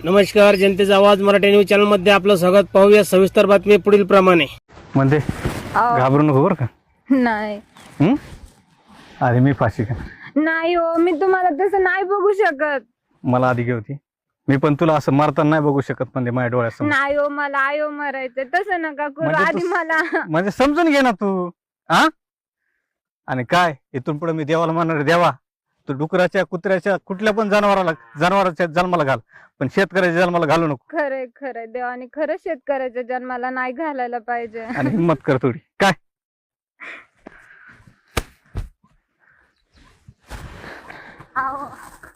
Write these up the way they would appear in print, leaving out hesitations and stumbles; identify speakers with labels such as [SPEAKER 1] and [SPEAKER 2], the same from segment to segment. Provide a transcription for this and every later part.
[SPEAKER 1] नमस्कार, जनतेचा आवाज मराठी न्यूज चॅनल मध्ये आपलं स्वागत. पाहूया सविस्तर बातमी पुढील प्रमाणे.
[SPEAKER 2] म्हणजे घाबरू नको बरं का.
[SPEAKER 3] नाही
[SPEAKER 2] अरे मी फाशी का
[SPEAKER 3] नाही हो, मी तुम्हाला तसं नाही बघू शकत.
[SPEAKER 2] मला आधी होती, मी पण तुला असं मारताना नाही बघू शकत. म्हणजे माझ्या डोळ्यासमोर
[SPEAKER 3] नाही हो, मला आयो मरायचं तसं नका करू.
[SPEAKER 2] म्हणजे
[SPEAKER 3] आधी मला
[SPEAKER 2] म्हणजे समजून घे ना तू. हा आणि काय इथून पुढे मी देवाला मानणार. देवा तू डुकराच्या कुत्र्याच्या कुठल्या पण जनावराच्या जन्माला घाल, पण शेतकऱ्याच्या जन्माला घालू नको.
[SPEAKER 3] खरंय खरंय, देवाने खरं शेतकऱ्याच्या जन्माला नाही घालायला पाहिजे.
[SPEAKER 2] आणि हिंमत कर थोडी. काय
[SPEAKER 3] आहो.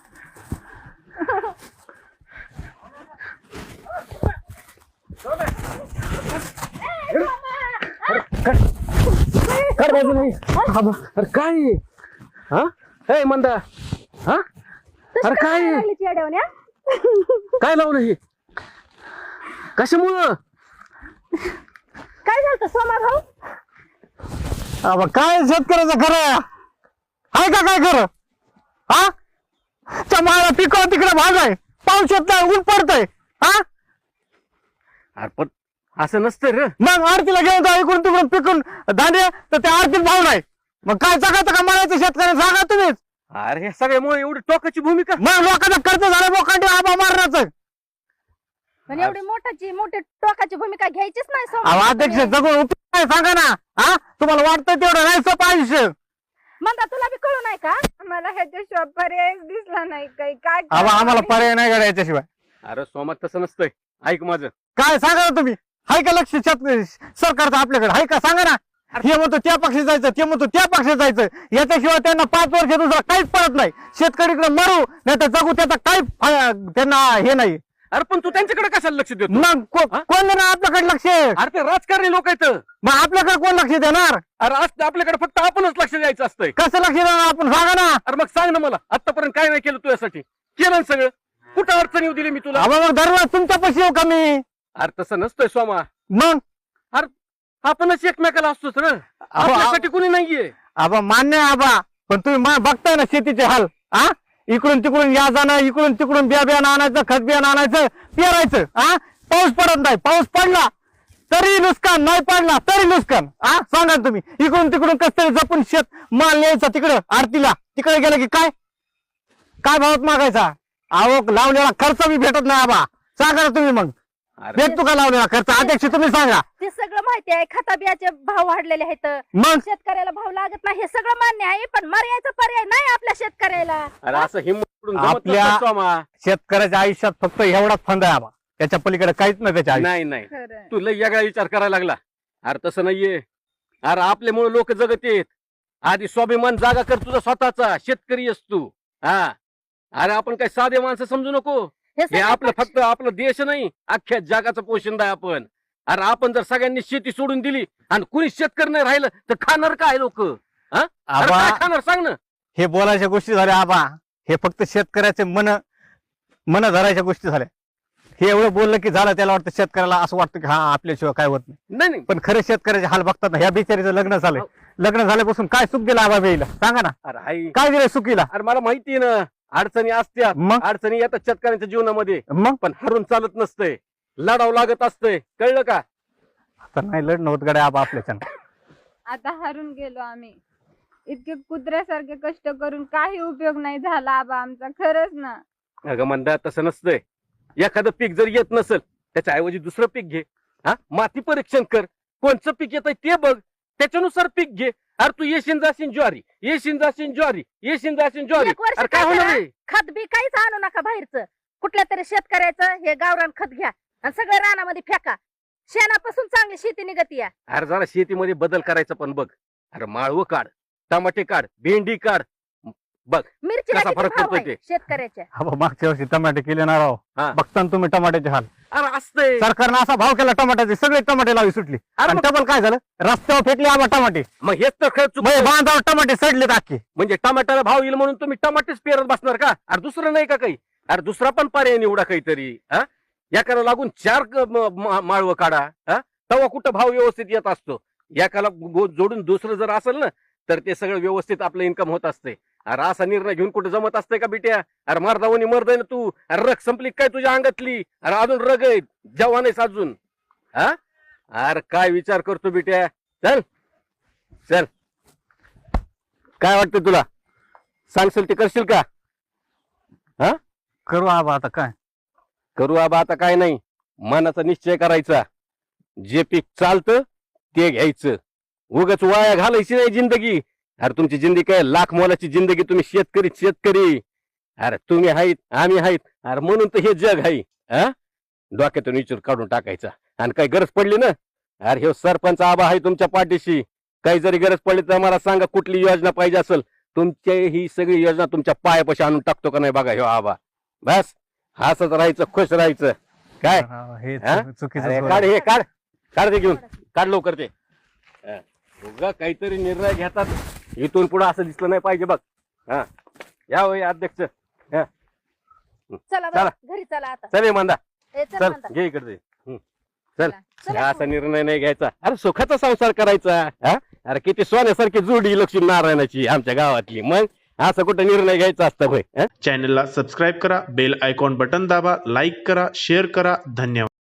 [SPEAKER 1] अरे काय हा मंदा हा अरे काय काय लावलं हे कशामुळं
[SPEAKER 3] काय झालं सोमा भाऊ?
[SPEAKER 2] अबा काय शेतकऱ्याचं खरं आहे का? काय खरं हा चमाळा पिकव तिकडे भाग आहे, पाऊस येत नाही, ऊन पडतंय. हा
[SPEAKER 1] अरे पण असं नसतं रे.
[SPEAKER 2] मग आरतीला घेऊन जा इकडून तिकडून पिकून धान्य, तर त्या आरतीत भाव नाही. मग काय जगायचं का म्हणायचं शेतकऱ्यांना? सांगा तुम्हीच.
[SPEAKER 1] अरे हे सगळ्यामुळे एवढी टोकाची भूमिका.
[SPEAKER 2] मग लोकांचा खर्च झाला लोकांनी आबा मारण्याचं.
[SPEAKER 3] पण एवढी मोठी टोकाची भूमिका घ्यायचीच नाही सोमा.
[SPEAKER 2] अहो अध्यक्ष जगून उपयोग नाही, सांगा ना. हा तुम्हाला वाटतं तेवढं नाही सोपं आयुष्य.
[SPEAKER 3] म्हणता तुला बी कळू नाही का? मला ह्याच्याशिवाय पर्याय दिसला नाही. काही काय
[SPEAKER 2] आबा आम्हाला पर्याय नाही का याच्याशिवाय?
[SPEAKER 1] अरे सोमात तसं नसतंय. ऐक माझं.
[SPEAKER 2] काय सांगा ना तुम्ही. हाय का लक्ष सरकारचं आपल्याकडे? हाय का? सांगा ना. हे म्हणतो त्या पक्षी जायचं, ते म्हणतो त्या पक्षी जायचं. याच्याशिवाय त्यांना 5 वर्ष दुसरा काहीच पडत नाही. शेतकरीकडे मरू नाही तर जगू, त्याचा काही त्यांना हे नाही.
[SPEAKER 1] अरे पण तू त्यांच्याकडे कशाला लक्ष देतो?
[SPEAKER 2] मग कोण देणार आपल्याकडे लक्ष?
[SPEAKER 1] अरे ते राजकारणी लोक आहेत.
[SPEAKER 2] मग आपल्याकडे कोण लक्ष देणार?
[SPEAKER 1] अरे आपल्याकडे फक्त आपणच लक्ष द्यायचं असतंय.
[SPEAKER 2] कसं लक्ष देणार आपण? सांगा ना.
[SPEAKER 1] अरे मग सांग ना मला, आतापर्यंत काय नाही केलं तुझ्यासाठी? केलं ना सगळं. कुठं अडचण येऊ दिली मी तुला?
[SPEAKER 2] आबा मग दररोज तुमच्या पैसे येऊ का मी?
[SPEAKER 1] अरे तसं नसतंय सोमा.
[SPEAKER 2] मग
[SPEAKER 1] आपणच एकमेकाला असतोच रे. आपल्यासाठी कुणी नाहीये.
[SPEAKER 2] आबा मान्य आहे आबा, पण तुम्ही बघताय ना शेतीचे हाल. हा इकडून तिकडून या जाणं, इकडून तिकडून बियाणं आणायचं, खत बियाणं आणायचं, पेरायचं. हा पाऊस पडत नाही, पाऊस पडला तरी नुकसान, नाही पडला तरी नुकसान. हा सांगा तुम्ही. इकडून तिकडून कस तरी जपून शेत माल न्यायचा तिकडं आरतीला. तिकडे गेलं की काय भावात मागायचा? अहो लावलेला खर्च बी भेटत नाही आबा. सांगा ना तुम्ही. मग भेटतो का लावलेला खर्च? अध्यक्ष तुम्ही सांगा.
[SPEAKER 3] ते सगळं माहिती आहे. खता बियाचे भाव वाढलेले आहेत,
[SPEAKER 2] मग
[SPEAKER 3] शेतकऱ्याला भाव लागत नाही, हे सगळं मान्य आहे. पण मर्यादेचा पर्याय नाही आपल्या शेतकऱ्याला.
[SPEAKER 1] अरे असं हिंमत
[SPEAKER 2] आपल्या शेतकऱ्याच्या आयुष्यात फक्त एवढाच फंद आहे आबा. त्याच्या पलीकडे काहीच नाही त्याच्या आयुष्यात.
[SPEAKER 1] नाही नाही,
[SPEAKER 3] खरंय.
[SPEAKER 1] तू लय वेगळा विचार करायला लागला. अरे तसं नाहीये. अरे आपल्यामुळे लोक जगत येत. आधी स्वाभिमान जागा कर तुझा स्वतःचा. शेतकरी आहेस तू. हा अरे आपण काही साधे माणसं समजू नको.
[SPEAKER 3] हे
[SPEAKER 1] हे
[SPEAKER 3] सगळं
[SPEAKER 1] आपलं फक्त आपलं देश नाही, अख्ख्या जगाचं पोषण आहे आपण. अरे आपण जर सगळ्यांनी शेती सोडून दिली आणि कुणी शेतकरी नाही राहिलं तर खाणार काय लोक?
[SPEAKER 2] आबा
[SPEAKER 1] खाणार सांग ना.
[SPEAKER 2] हे बोलायच्या गोष्टी झाल्या आबा. हे फक्त शेतकऱ्याचे मन धरायच्या गोष्टी झाल्या. हे एवढं बोललं की झालं. त्याला वाटतं शेतकऱ्याला असं वाटतं की हा आपल्याशिवाय काय होत नाही.
[SPEAKER 1] नाही नाही.
[SPEAKER 2] पण खरे शेतकऱ्याचे हाल बघतात ना. ह्या बिचारीचं लग्न झालंय. लग्न झाल्यापासून काय सुख दिलं आबा बेईला? सांगा ना.
[SPEAKER 1] अरे आई,
[SPEAKER 2] काय दिलं सुखीला?
[SPEAKER 1] अरे मला माहितीये ना अडचणी असत्या.
[SPEAKER 2] मग
[SPEAKER 1] अडचणी येतात शेतकऱ्यांच्या जीवनामध्ये.
[SPEAKER 2] मग
[SPEAKER 1] पण हरून चालत नसतंय, लढावं लागत असतंय. कळलं का?
[SPEAKER 2] आता नाही लढणं होत गड्या आबा आपल्याच्यानं.
[SPEAKER 3] आता हारून गेलो आम्ही. इतके कुत्र्यासारखे कष्ट करून काही उपयोग नाही झाला आबा आमचा. खरंच ना.
[SPEAKER 1] अगं म्हणता तसं नसतंय. एखादं पीक जर येत नसेल त्याच्या ऐवजी दुसरं पीक घे. माती परीक्षण कर. कोणचं पीक येतंय ते बघ, त्याच्यानुसार पीक घे. अरे तू येशील जाशील ज्वारी, येशील जाशील ज्वारी, येशील जाशील ज्वारी.
[SPEAKER 3] एक वर्ष
[SPEAKER 1] अरे काय
[SPEAKER 3] काय
[SPEAKER 1] होणार
[SPEAKER 3] करा?
[SPEAKER 1] आहे?
[SPEAKER 3] खत बी काहीच आणू नका बाहेरचं. कुठल्या तरी शेतकऱ्याचं हे गावरान खत घ्या आणि सगळं रानामध्ये फेका. शेणापासून चांगली शेती निघती.
[SPEAKER 1] अरे जरा शेतीमध्ये बदल करायचा पण बघ. अरे माळवं काढ, टमाटे काढ, भेंडी काढ, बघ
[SPEAKER 3] मिरचीला
[SPEAKER 1] कसा
[SPEAKER 3] किती
[SPEAKER 1] फरक
[SPEAKER 3] भाव
[SPEAKER 1] पडतोय
[SPEAKER 3] आहे
[SPEAKER 1] ते.
[SPEAKER 3] शेतकऱ्याच्या?
[SPEAKER 2] आबा मागच्या वर्षी टमाटे केले ना राव.
[SPEAKER 1] हा.
[SPEAKER 2] बघता ना तुम्ही टमाट्याचे हाल.
[SPEAKER 1] अरे असतंय.
[SPEAKER 2] सरकारनं असा भाव केला टमाट्याचे, सगळे टमाटे लावी सुटली.
[SPEAKER 1] अरे
[SPEAKER 2] आणि
[SPEAKER 1] मग-
[SPEAKER 2] डबल काय झालं? रस्त्यावर फेकले आबा टमाटे.
[SPEAKER 1] मग हेच तर खरं चुक.
[SPEAKER 2] बांधावर टमाटे सडले अख्खे.
[SPEAKER 1] म्हणजे टमाट्याला भाव येईल म्हणून तुम्ही टमाटेच पेरत बसणार का? अरे दुसरं नाही का काही? अरे दुसरा पण पर्याय निवडा काहीतरी. एकाला लागून 4 माळवं काढा. तेव्हा कुठं भाव व्यवस्थित येत असतो. एकाला जोडून दुसरं जर असेल ना तर ते सगळं व्यवस्थित आपलं इन्कम होत असते. अरे असा निर्णय घेऊन कुठे जमत असतंय का बिट्या? अरे मर्दावणी मर्द आहे ना तू. अरे रग संपली काय तुझ्या अंगातली? अरे अजून रग आहे, जवान आहेस अजून. हा अरे काय विचार करतो बिट्या? चल चल, काय वाटतं तुला? सांगशील ते करशील का? हा
[SPEAKER 2] करू आबा आता काय.
[SPEAKER 1] करू आबा आता काय नाही, मनाचा निश्चय करायचा. जे पीक चालतं ते घ्यायचं, उगाच वाया घालायची नाही जिंदगी. अरे तुमची जिंदगी काय लाख मोलाची जिंदगी. तुम्ही शेतकरी. अरे तुम्ही आहेत, आम्ही आहेत. अरे म्हणून तर हे जग आहे. हा डोक्यातून विचार काढून टाकायचा. आणि काही गरज पडली ना, अरे हे सरपंच आबा आहे तुमच्या पाठीशी. काही जरी गरज पडली तर मला सांगा कुठली योजना पाहिजे असेल. तुमची ही सगळी योजना तुमच्या पायापाशी आणून टाकतो का नाही बघा ह्यो आबा. बस हसत राहायचं, खुश राहायचं. काय
[SPEAKER 2] हे
[SPEAKER 1] हा?
[SPEAKER 2] चुकीचं
[SPEAKER 1] अरे
[SPEAKER 2] बोल.
[SPEAKER 1] काढ हे काढ ते घेऊन काढ लवकर ते. उगा काहीतरी निर्णय घेतात, इथून पुढे असं दिसलं नाही पाहिजे बघ. हा या होय अध्यक्ष.
[SPEAKER 3] चला
[SPEAKER 1] चला.
[SPEAKER 3] बरं, घरी चला आता.
[SPEAKER 1] चल ये मांदा,
[SPEAKER 3] ए, चल
[SPEAKER 1] चल
[SPEAKER 3] म्हणता.
[SPEAKER 1] घे इकडे चल.
[SPEAKER 3] चला.
[SPEAKER 1] हा असा निर्णय नाही घ्यायचा. अरे सुखाचा संसार करायचा. हा अरे किती सोन्यासारखी जोडी लक्ष्मी नारायणाची आमच्या गावातली. मग असं कुठं निर्णय घ्यायचा असतं होय?
[SPEAKER 4] चॅनलला सबस्क्राईब करा, बेल आयकॉन बटन दाबा, लाईक करा, शेअर करा. धन्यवाद.